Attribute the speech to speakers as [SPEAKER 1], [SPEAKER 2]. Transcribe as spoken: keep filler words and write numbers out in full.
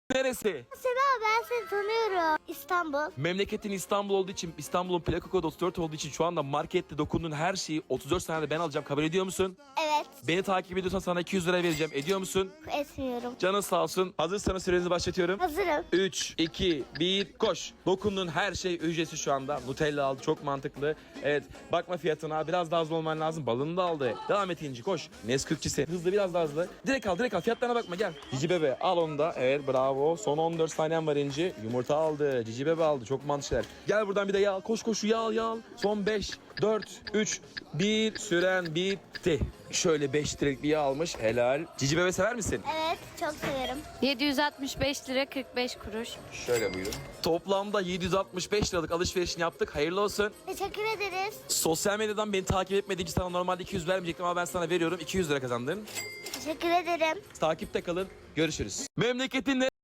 [SPEAKER 1] Neresi?
[SPEAKER 2] Sema ben seni tanıyorum. İstanbul.
[SPEAKER 1] Memleketin İstanbul olduğu için, İstanbul'un plaka kodu otuz dört olduğu için şu anda markette dokunduğun her şeyi otuz dört saniyede ben alacağım. Kabul ediyor musun?
[SPEAKER 2] Evet.
[SPEAKER 1] Beni takip ediyorsan sana iki yüz lira vereceğim. Ediyor musun?
[SPEAKER 2] Etmiyorum.
[SPEAKER 1] Canın sağ olsun. Hazırsanız sürenizi başlatıyorum.
[SPEAKER 2] Hazırım.
[SPEAKER 1] üç, iki, bir, koş. Dokunduğun her şey ücretsiz şu anda. Nutella aldı, çok mantıklı. Evet, bakma fiyatına, biraz daha hızlı olman lazım. Balını da aldı. Devam et İnci, koş. Nesquik'çisi. Hızlı, biraz daha hızlı. Direkt al, direkt al. Fiyatlarına bakma, gel. Cici bebe, al onu da. Evet, bravo. Son on dört saniyen var İnci. Yumurta aldı, cici bebe aldı. Çok mantıklı. Gel buradan bir de yağ al. Koş koş, yağ al, yağ al. Son beş, dört, üç, bir. Süren bitti. Şöyle beş litrelik bir yağ almış. Helal. Cici bebe sever misin?
[SPEAKER 2] Evet çok severim.
[SPEAKER 3] yedi yüz altmış beş lira kırk beş kuruş.
[SPEAKER 1] Şöyle buyurun. Toplamda yedi yüz altmış beş liralık alışverişini yaptık. Hayırlı olsun.
[SPEAKER 2] Teşekkür ederiz.
[SPEAKER 1] Sosyal medyadan beni takip etmediğin için sana normalde iki yüz vermeyecektim ama ben sana veriyorum. iki yüz lira kazandın.
[SPEAKER 2] Teşekkür ederim.
[SPEAKER 1] Takipte kalın. Görüşürüz. Memleketin